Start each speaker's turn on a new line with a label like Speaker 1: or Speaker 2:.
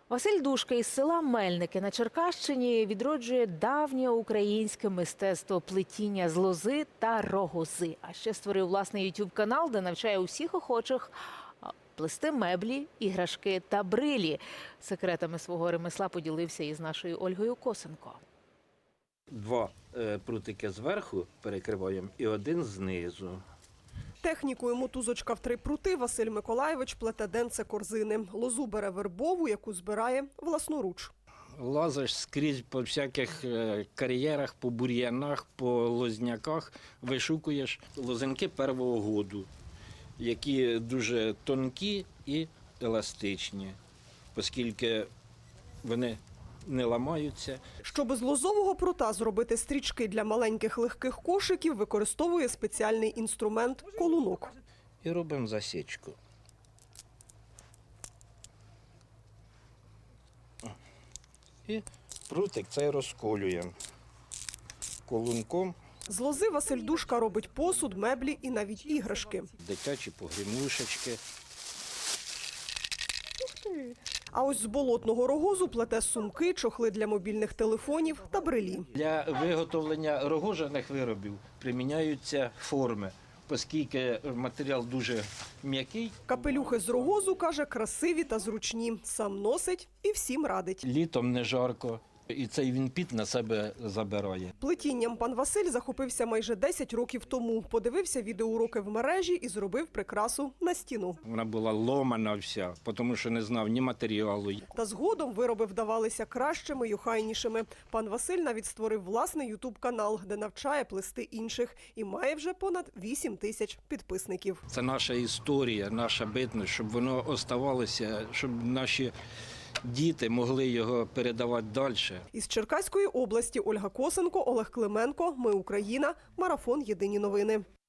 Speaker 1: Василь Душка із села Мельники на Черкащині відроджує давнє українське мистецтво плетіння з лози та рогози. А ще створив власний YouTube-канал, де навчає усіх охочих плести меблі, іграшки та брилі. Секретами свого ремесла поділився із нашою Ольгою Косенко.
Speaker 2: Два прутики зверху перекриваємо і один знизу.
Speaker 3: Технікою мотузочка в 3 прути Василь Миколайович плете денце корзини. Лозу бере вербову, яку збирає власноруч.
Speaker 2: Лазиш скрізь по всяких кар'єрах, по бур'янах, по лозняках, вишукуєш лозинки первого году, які дуже тонкі і еластичні, оскільки вони не ламаються.
Speaker 3: Щоб з лозового прута зробити стрічки для маленьких легких кошиків, використовує спеціальний інструмент – колунок.
Speaker 2: І робимо засічку. І прутик цей розколюємо колунком.
Speaker 3: З лози Василь Душка робить посуд, меблі і навіть іграшки.
Speaker 2: Дитячі погрімушечки.
Speaker 3: А ось з болотного рогозу плете сумки, чохли для мобільних телефонів та брелі.
Speaker 2: Для виготовлення рогожаних виробів приміняються форми, оскільки матеріал дуже м'який.
Speaker 3: Капелюхи з рогозу, каже, красиві та зручні. Сам носить і всім радить.
Speaker 2: Літом не жарко, і цей він піт на себе забирає.
Speaker 3: Плетінням пан Василь захопився майже 10 років тому. Подивився відеоуроки в мережі і зробив прикрасу на стіну.
Speaker 2: Вона була ломана вся, тому що не знав ні матеріалу.
Speaker 3: Та згодом вироби вдавалися кращими й охайнішими. Пан Василь навіть створив власний ютуб-канал, де навчає плести інших. І має вже понад 8 тисяч підписників.
Speaker 2: Це наша історія, наша битність, щоб воно оставалося, щоб наші діти могли його передавати далі.
Speaker 3: Із Черкаської області Ольга Косенко, Олег Клименко. Ми Україна. Марафон. Єдині новини.